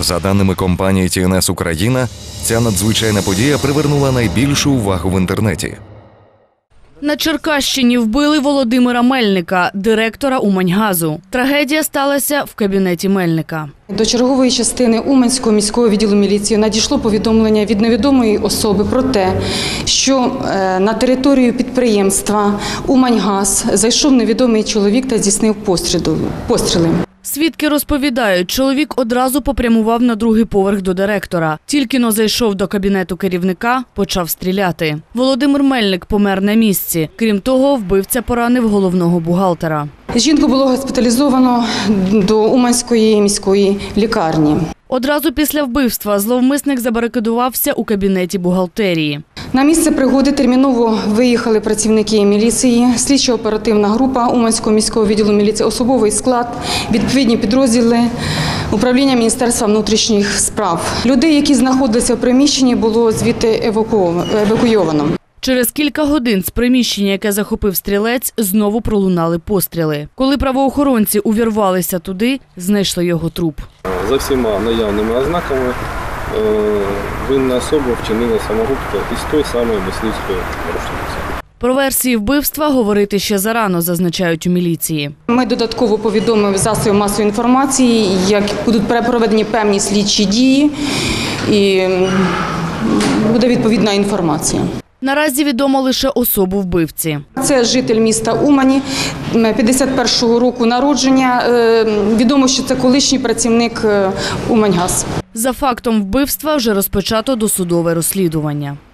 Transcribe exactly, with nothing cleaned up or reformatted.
За даними компанії Ті Ен Ес Україна, ця надзвичайна подія привернула найбільшу увагу в інтернеті. На Черкащині вбили Володимира Мельника, директора Уманьгазу. Трагедія сталася в кабінеті Мельника. До чергової частини Уманського міського відділу міліції надійшло повідомлення від невідомої особи про те, що на територію підприємства «Уманьгаз» зайшов невідомий чоловік та здійснив постріли. Свідки розповідають, чоловік одразу попрямував на другий поверх до директора. Тільки-но зайшов до кабінету керівника, почав стріляти. Володимир Мельник помер на місці. Крім того, вбивця поранив головного бухгалтера. Жінку було госпіталізовано до Уманської міської лікарні. Одразу після вбивства зловмисник забарикадувався у кабінеті бухгалтерії. На місце пригоди терміново виїхали працівники міліції, слідчо-оперативна група Уманського міського відділу міліції, особовий склад, відповідні підрозділи управління Міністерства внутрішніх справ. Людей, які знаходилися в приміщенні, було звідти евакуйовано. Через кілька годин з приміщення, яке захопив стрілець, знову пролунали постріли. Коли правоохоронці увірвалися туди, знайшли його труп. За всіма наявними ознаками винна особа вчинила самогубство із той самої мисливської рушниці. Про версії вбивства говорити ще зарано, зазначають у міліції. Ми додатково повідомили засоби масової інформації, як будуть проведені певні слідчі дії і буде відповідна інформація. Наразі відомо лише особу вбивці. Це житель міста Умані, п'ятдесят першого року народження. Відомо, що це колишній працівник Уманьгаз. За фактом вбивства вже розпочато досудове розслідування.